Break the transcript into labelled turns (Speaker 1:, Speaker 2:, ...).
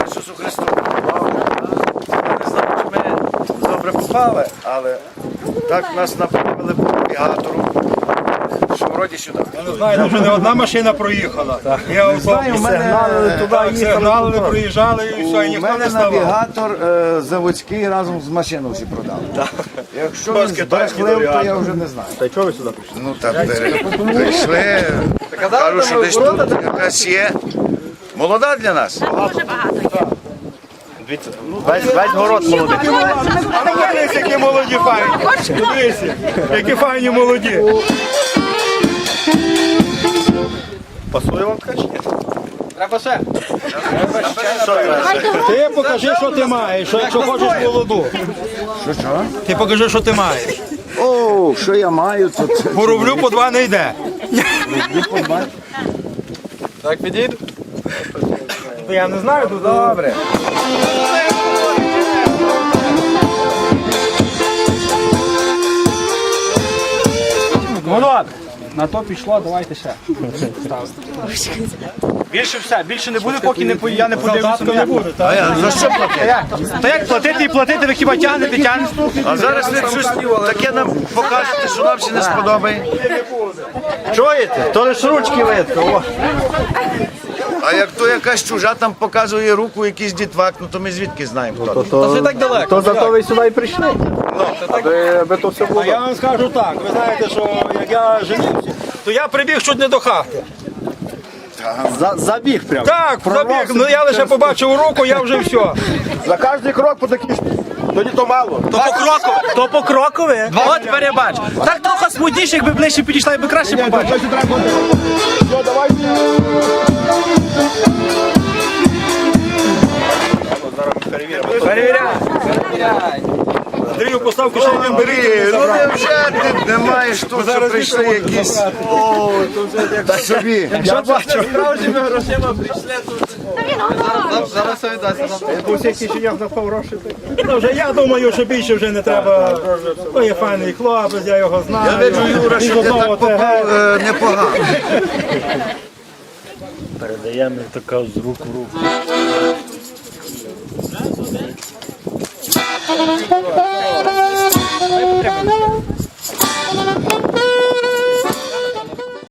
Speaker 1: Ісусу Христу. Я не знаю, чи ми добре попали, але так нас направили по навігатору, що вроді сюди.
Speaker 2: Я не знаю, вже не одна машина проїхала. Я
Speaker 1: знаю, в мене
Speaker 2: сигнали проїжджали і все, і
Speaker 1: У
Speaker 2: ніхто
Speaker 1: мене
Speaker 2: не ставав.
Speaker 1: навігатор заводський разом з машиною всі продали. Якщо він збрехлив, то я вже не знаю.
Speaker 2: Та й чого ви сюди прийшли?
Speaker 1: Ну так, прийшли, кажуть, що десь тут якась є. Молода для нас.
Speaker 3: Дуже багато.
Speaker 2: Весь город молодий. А ну подивись, які молоді файні. Подивися, які файні молоді. Пасує вам така чи ні? Треба ще. Ти покажи, що ти маєш, якщо хочеш молоду.
Speaker 1: Що?
Speaker 2: Ти покажи, що ти маєш.
Speaker 1: О, що я маю, то це.
Speaker 2: По рублю по два не йде. Так підійду? Я не знаю, тут добре.
Speaker 4: Ну добре, на то пішло, давайте ще. Більше все, більше не буде, поки я не подивлюся.
Speaker 2: Не буде, так?
Speaker 1: А я за що платити?
Speaker 4: Та як платити і платити, ви хіба тягнете?
Speaker 1: А зараз ви щось таке нам покажете, що нам ще не сподобає.
Speaker 4: Чуєте? То лише ручки видко.
Speaker 1: А як то якась чужа там показує руку, якийсь дітвак, ну то ми звідки знаємо хто.
Speaker 4: То так далеко. То зато ви сюди і прийшли. Аби то все було.
Speaker 2: А я вам скажу так, ви знаєте, що як я женився, то я прибіг чуть не до хати.
Speaker 4: Забіг прямо.
Speaker 2: Так, забіг, ну я лише побачив руку, я вже все.
Speaker 4: За кожний крок по такій тоді то мало.
Speaker 5: То по крокові? От перебач. Так трохи смутніше, якби ближче підійшла, якби краще побачив.
Speaker 4: Все, давай.
Speaker 2: Перевіряй. Андрію, поставку ще не бери.
Speaker 1: Ну невже ти не маєш тут, що прийшли якісь. Та собі.
Speaker 2: Я бачу. Ну, вже я думаю, що більше вже не треба. То є файний хлопець, я його знаю.
Speaker 1: Я виджу, Юра,
Speaker 2: Він
Speaker 1: що ти
Speaker 2: одного
Speaker 1: так попав непогано.
Speaker 6: Передаємо така з рук в руку.